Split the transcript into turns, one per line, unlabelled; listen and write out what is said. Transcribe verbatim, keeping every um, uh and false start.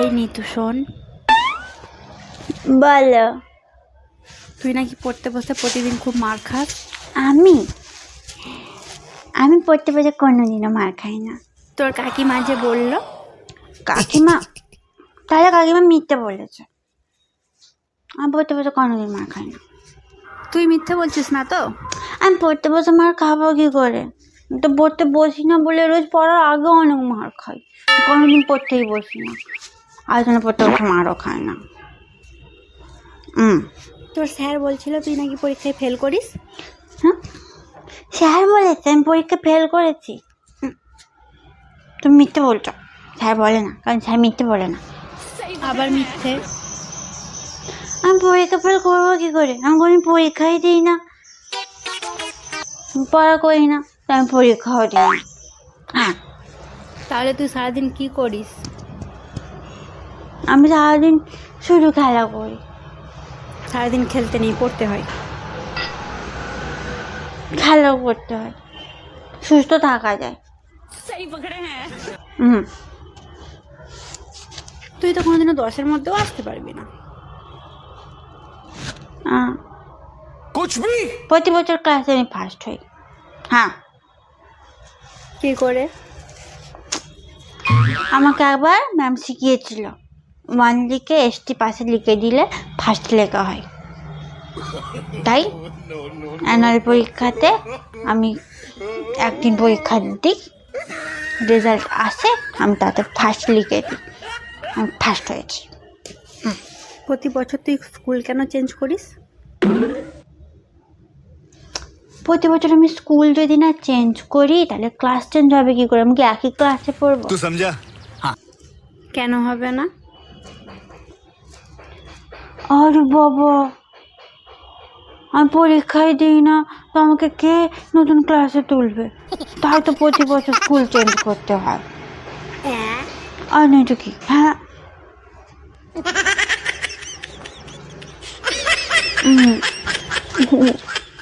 নিতু শোন,
বলো।
তুই নাকি পড়তে বসে প্রতিদিন খুব মার খাস।
আমি আমি পড়তে বসে কোনোদিনও মার খাই না।
তোর কাকিমা যে বললো।
কাকিমা? তাহলে কাকিমা মিথ্যে বলেছে। আমি পড়তে বসে কোনোদিন মার খাই না।
তুই মিথ্যে বলছিস না তো?
আমি পড়তে বসে মার খাবো কি করে? আমি তো পড়তে বসি না বলে রোজ পড়ার আগে অনেক মার খাই। কোনোদিন পড়তেই বসি না, আর জন্য পড়তে বসে মারও খাই না। হুম
তোর স্যার বলছিল তুই নাকি পরীক্ষায় ফেল করিস।
হ্যাঁ, স্যার বলেছে আমি পরীক্ষা ফেল করেছি? তুমি মিথ্যে বলছো। স্যার বলে না, কারণ স্যার মিথ্যে বলে না।
আবার মিথ্যে?
আমি পরীক্ষা ফেল করবো কি করে? আমি কোনোদিন পরীক্ষাই দিই না, পড়া করি না, তাই আমি পরীক্ষাও দিই না। হ্যাঁ,
তাহলে তুই সারাদিন কি করিস?
আমি সারাদিন শুধু খেলা করি।
সারাদিন খেলতে নেই, পড়তে হয়।
খেলাও করতে হয়, সুস্থ থাকা যায়। হুম
তুই তো কোনোদিনও দশের মধ্যেও আসতে পারবি না।
আহ, প্রতি বছর ক্লাসে আমি ফার্স্ট হই। হ্যাঁ,
কি করে?
আমাকে একবার ম্যাম শিখিয়েছিল, ওয়ান লিখে এসটি পাশে লিখে দিলে ফার্স্ট লেখা হয়। তাই অ্যানুয়াল পরীক্ষাতে আমি একদিন পরীক্ষা দিই, রেজাল্ট আসে, আমি তাতে ফার্স্ট লিখে দিই, আমি ফার্স্ট হয়েছি।
প্রতি বছর তুই স্কুল কেন চেঞ্জ করিস?
প্রতি বছর আমি স্কুল যদি না চেঞ্জ করি তাহলে ক্লাস চেঞ্জ হবে কি করে? আমি কি একই ক্লাসে পড়বো?
तू समझा? हाँ।
কেন হবে না?
আরে বাবা, আমি পরীক্ষায় দিই না তো আমাকে কে নতুন ক্লাসে তুলবে? তাই তো প্রতি বছর স্কুল চেঞ্জ করতে হয়। আর নয় তো কি? হ্যাঁ, হুম